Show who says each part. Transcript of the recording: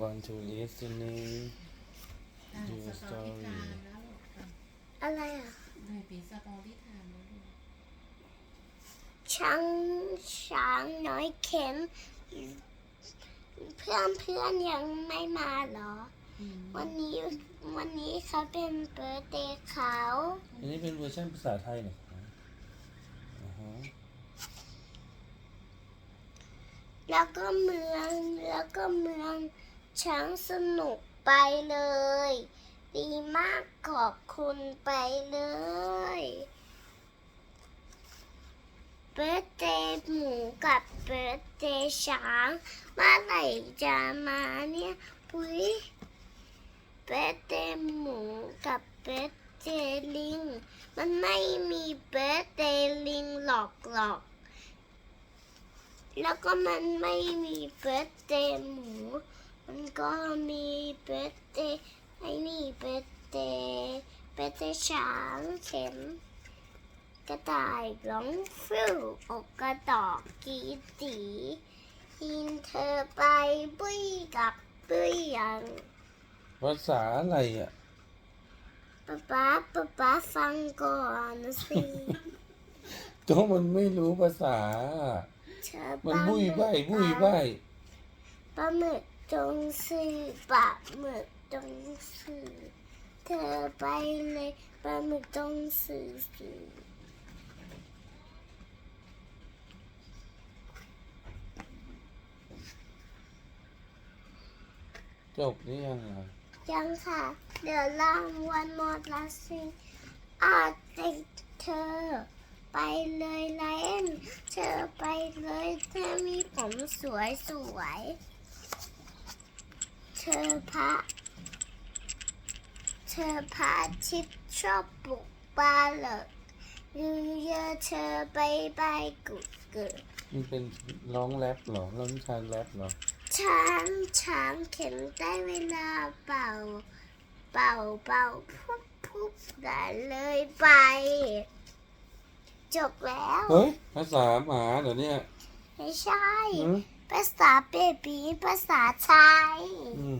Speaker 1: want to listening your
Speaker 2: สตอรี่
Speaker 1: story
Speaker 2: ไทม์แล้วลูก
Speaker 3: อะไรอ่ะ
Speaker 2: เลยปีสตอรี่ไทม์แล้วลูก
Speaker 3: ช้างน้อยเข็มเพื่อนยังไม่มาเหรอ วันนี้เขาเป็นเบิร์ธเดย์เขา
Speaker 1: อันนี้เป็นเวอร์ชันภาษาไทยเหรอ
Speaker 3: แล้วก็เมืองช้างสนุกไปเลย ดีมากขอบคุณไปเลยเบิร์ธเดย์หมูกับเบิร์ธเดย์ช้างเมื่อไหร่จะมาเนี่ยปุ้ยเบิร์ธเดย์หมูกับเบิร์ธเดย์ลิงมันไม่มีเบิร์ธเดย์ลิงหรอกแล้วก็มันไม่มีเบิร์ธเดย์หมูมันก็มีเบิร์ธเดย์ไอ้นี่เบิร์ธเดย์ช้างเข็มกระต่ายร้องฟิวอกกระตอกกีตีหินเธอไปบุยกับบุยยัง
Speaker 1: ภาษาอะไรอ่ะ
Speaker 3: ป๊าฟังก่อนสิ
Speaker 1: ก็มันไม่รู้ภาษา
Speaker 3: เธอ
Speaker 1: มันบุยใบาย
Speaker 3: ปลาหมึกจงสื่อปลาหมึกจงสื่อเธอไปเลยปลาหมึกจงสื่อ
Speaker 1: จบหรือยังอ่ะ
Speaker 3: ยังค่ะเดี๋ยวรางวัลหมดละสิติดเธอไปเลยไลเอ็นเธอไปเลยเธอมีผมสวยเธอพระชิดชอบปลุกปลาเหลิกยืนเยอะเธอไปกุดเกิด
Speaker 1: มันเป็นร้องแรปเหรอร้องชาแรปเหรอ
Speaker 3: ช้างเข็นได้เวลาเป่าพุบได้เลยไปจบแล้ว
Speaker 1: เฮ้ย ภาษาหมาเหรอเนี่ย
Speaker 3: ไม่ใช่
Speaker 1: หืม
Speaker 3: ภาษาเบบีภาษาไทย